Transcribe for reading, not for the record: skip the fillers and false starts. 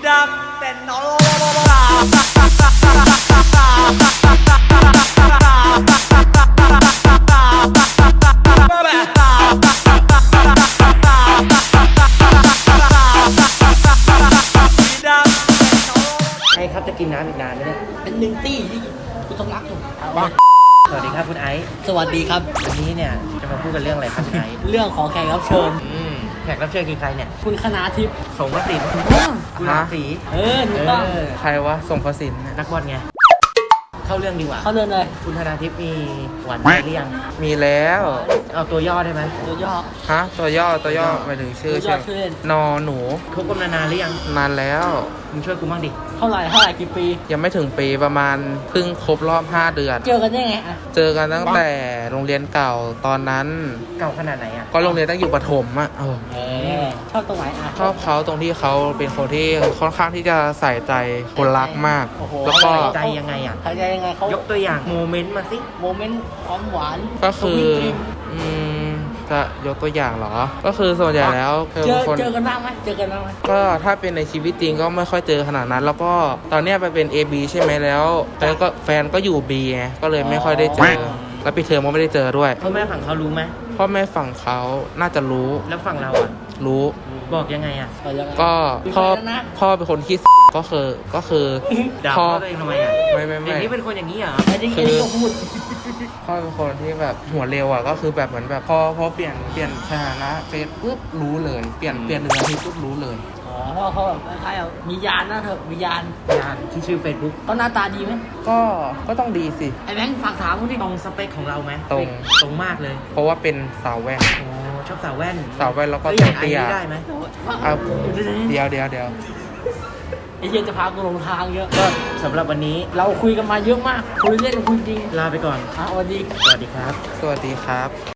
ดังแต่นอนไอ้ครับจะกินน้ำอีกนานไหมเนี่ยเป็นหนึ่งตี้ที่กูต้องรักอยู่สวัสดีครับคุณไอซ์สวัสดีครับวันนี้เนี่ยจะมาพูดกันเรื่องอะไรครับคุณไอซ์เรื่องของแขกรับเชิญแขกรับเชิญคือใครเนี่ยคุณคณาทิพย์สงกสินกุหลาบสีถูกต้องใครวะส่งประสินนักบอลไงเข้าเรื่องดีกว่าเขาเดินเลยคุณธนาทิพย์มีหวานใจหรือยังมีแล้วเอาตัวย่อได้ไหมตัวย่อฮะตัวย่อหมายถึงชื่อตัวย่อชื่อเล่นนอหนูคบกันมานานหรือยังนานแล้วมึงช่วยกูบ้างดิเท่าไหร่กี่ปียังไม่ถึงปีประมาณเพิ่งครบรอบ 5 เดือนเจอกันได้ไงอ่ะเจอกันตั้งแต่โรงเรียนเก่าตอนนั้นเก่าขนาดไหนอ่ะก็โรงเรียนตั้งอยู่ประถมอ่ะชอบตรงไหนอ่ะชอบเขาตรงที่เขาเป็นคนที่ค่อนข้างที่จะใส่ใจคนรักมากโอ้โหแล้วก็ใจยังไงอ่ะใครใจยังไงเขายกตัวอย่างโมเมนต์มาสิโมเมนต์ความหวานก็คือสวีทดรีมอืมจะยกตัวอย่างเหรอ ก็คือส่วนใหญ่แล้วคือเจอคนเจอกันบ้างไหมเจอกันบ้างไหมก็ถ้าเป็นในชีวิตจริงก็ไม่ค่อยเจอขนาดนั้น แล้วก็ตอนเนี้ยไปเป็น AB ใช่ไหมแล้วก็แฟนก็อยู่ B ไงก็เลยไม่ค่อยได้เจอ แล้วปีเทอมก็ไม่ได้เจอด้วยพ่อแม่ฝั่งเขารู้ไหมพ่อแม่ฝั่งเขาน่าจะรู้แล้วฝั่งเราอ่ะรู้บอกยังไงอ่ะเออยังไงก็มีพ่อแฟนแล้วนะพ่อเป็นคนขี้ก็คือด่าพ่อพ่อตัวเองทำไมอ่ะไม่อย่างนี้เป็นคนอย่างนี้เหรอไอ้นี่ก็พูดพ่อเป็นคนที่แบบหัวเร็วอ่ะก็คือแบบเหมือนแบบพอเปลี่ยนสถานะเฟซปุ๊บรู้เลยเปลี่ยนหนึ่งนาทีปุ๊บรู้เลยอ๋อเพราะเขาแบบคล้ายๆแบบมียานนะเถอะมียานงานที่ชื่อ Facebook เขาหน้าตาดีไหมก็ต้องดีสิไอ้แบงค์ฝากถามกูดิตรงสเปคของเราไหมตรงตรงมากเลยเพราะว่าเป็นสาวแว่นโอ้ชอบสาวแว่นสาวแว่นแล้วก็เฮ้ยอย่างไอ้เตี้ยนี่ได้ไหมเอาเดี๋ยวไอ้เหี้ยจะพากูหลงทางเยอะก็สำหรับวันนี้เราคุยกันมาเยอะมาก คุยเล่นคุยจริงลาไปก่อนสวัสดีสวัสดีครับสวัสดีครับ